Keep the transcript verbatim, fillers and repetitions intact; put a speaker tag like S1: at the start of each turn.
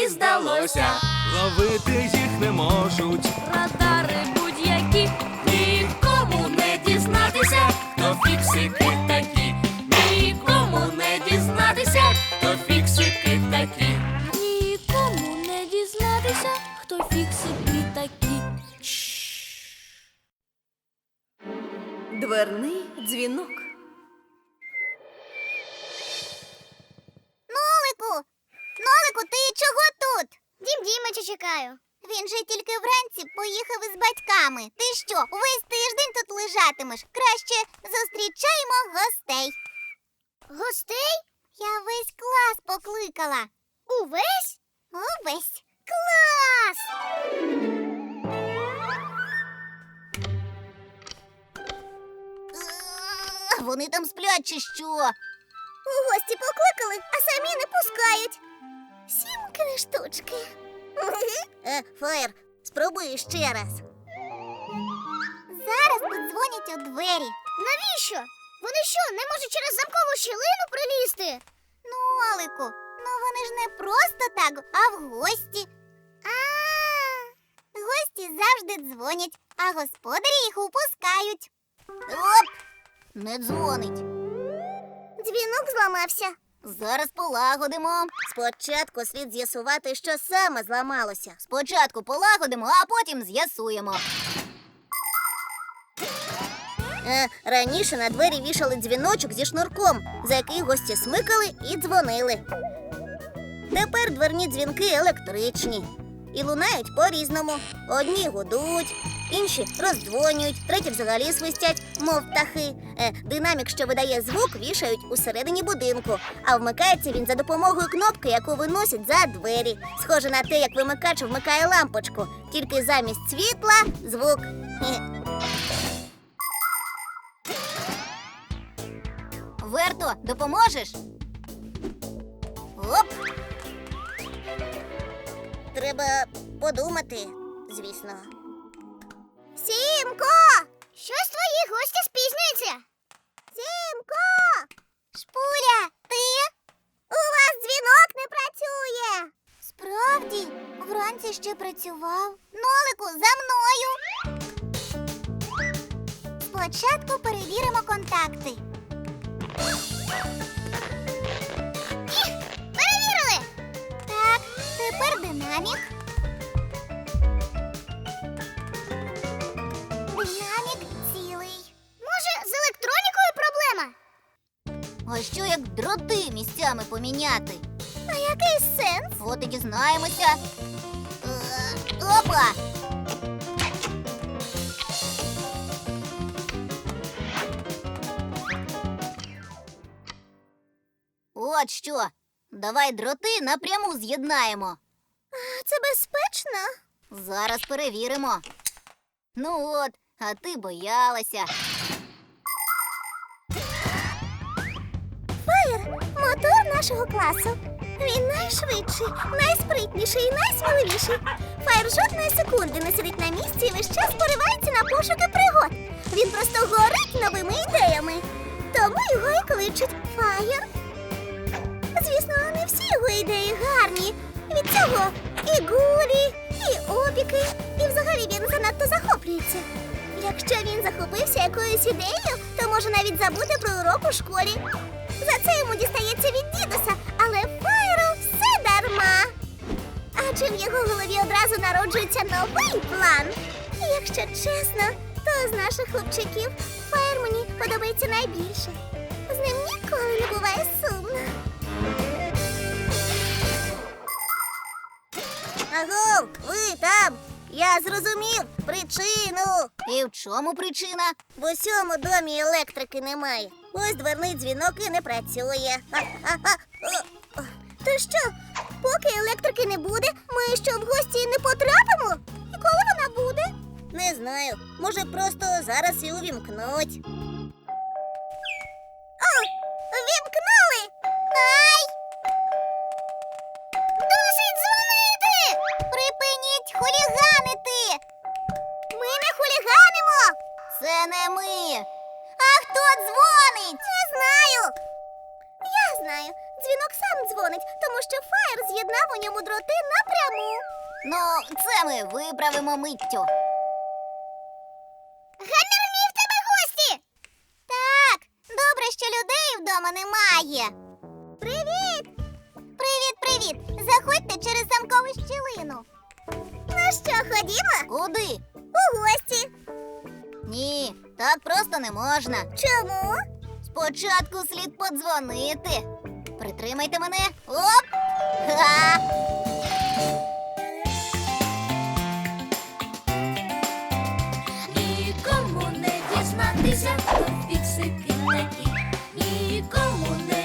S1: мені здалося.
S2: Ловити їх не можуть.
S1: Радари будь-які, нікому не дізнатися, хто фіксики такі. Нікому не дізнатися, хто фіксики такі. Нікому не дізнатися, хто фіксики такі.
S3: Дверний дзвінок.
S4: Нолику! Нолику, ти чого тут? Дім Дімича чекаю. Він же тільки вранці поїхав із батьками. Ти що, весь тиждень тут лежатимеш? Краще зустрічаємо гостей. Гостей? Я весь клас покликала. Увесь? Увесь. Клас! Е, Вони там сплять чи що? У гості покликали, а самі не пускають. Сімкини штучки. Е, Фаєр, спробуй ще раз. Зараз подзвонять у двері. Навіщо? Вони що, не можуть через замкову щілину прилізти? Ну, Олику, ну вони ж не просто так, а в гості. А, гості завжди дзвонять, а господарі їх упускають. Оп! Не дзвонить. Дзвінок зламався. Зараз полагодимо. Спочатку слід з'ясувати, що саме зламалося. Спочатку полагодимо, а потім з'ясуємо. Е, раніше на двері вішали дзвіночок зі шнурком, за який гості смикали і дзвонили. Тепер дверні дзвінки електричні. І лунають по-різному. Одні гудуть, інші роздзвонюють, треті взагалі свистять, мов птахи. Е, динамік, що видає звук, вішають усередині будинку, а вмикається він за допомогою кнопки, яку виносять за двері. Схоже на те, як вимикач вмикає лампочку, тільки замість світла – звук. Хе. Верто, допоможеш? Оп! Треба подумати, звісно. Сімко! Щось твої гості спізнюються. Сімко! Шпуля, ти? У вас дзвінок не працює. Справді, вранці ще працював. Нолику, за мною. Спочатку перевіримо контакти. Перевірили! Так, тепер динамік. Динамік цілий. Може, з електронікою проблема? А що, як дроти місцями поміняти? А який сенс? От і дізнаємося. Е, Опа! От що. Давай дроти напряму з'єднаємо. Це безпечно? Зараз перевіримо. Ну от, а ти боялася. Фаєр – мотор нашого класу. Він найшвидший, найспритніший і найсміливіший. Фаєр жодної секунди не сидить на місці і весь час поривається на пошуки пригод. Він просто горить новими ідеями. Тому його і кличуть Фаєр. Звісно, не всі його ідеї гарні. Від цього і гулі, і опіки, і взагалі він занадто захоплюється. Якщо він захопився якоюсь ідеєю, то може навіть забути про урок у школі. За це йому дістається від дідуся, але Фаєру все дарма. Адже в його голові одразу народжується новий план. І якщо чесно, то з наших хлопчиків Фаєр мені подобається найбільше. З ним ніколи не буває сумно. Аго, ви там! Я зрозумів причину. І в чому причина? В усьому домі електрики немає. Ось дверний дзвінок і не працює. То що, поки електрики не буде, ми що в гості не потрапимо? І коли вона буде? Не знаю. Може, просто зараз і увімкнуть. О, вімкнули! Ай! Досить дзвонити! Припиніть хуліганити! Ми не хуліганимо! Це не ми! А хто дзвонить? Не знаю! Я знаю. Дзвінок сам дзвонить, тому що Фаєр з'єднав у ньому дроти напряму.
S3: Ну, це ми виправимо миттю.
S4: Гамірні, в тебе гості! Так, добре, що людей вдома немає. Привіт! Привіт, привіт! Заходьте через замкову щілину. Ну що, ходімо?
S3: Куди?
S4: У гості.
S3: Ні, так просто не можна.
S4: Чому?
S3: Спочатку слід подзвонити. Притримайте мене. Оп! Ха!
S1: Нікому не дізнатися, хто фіксики такі. Нікому не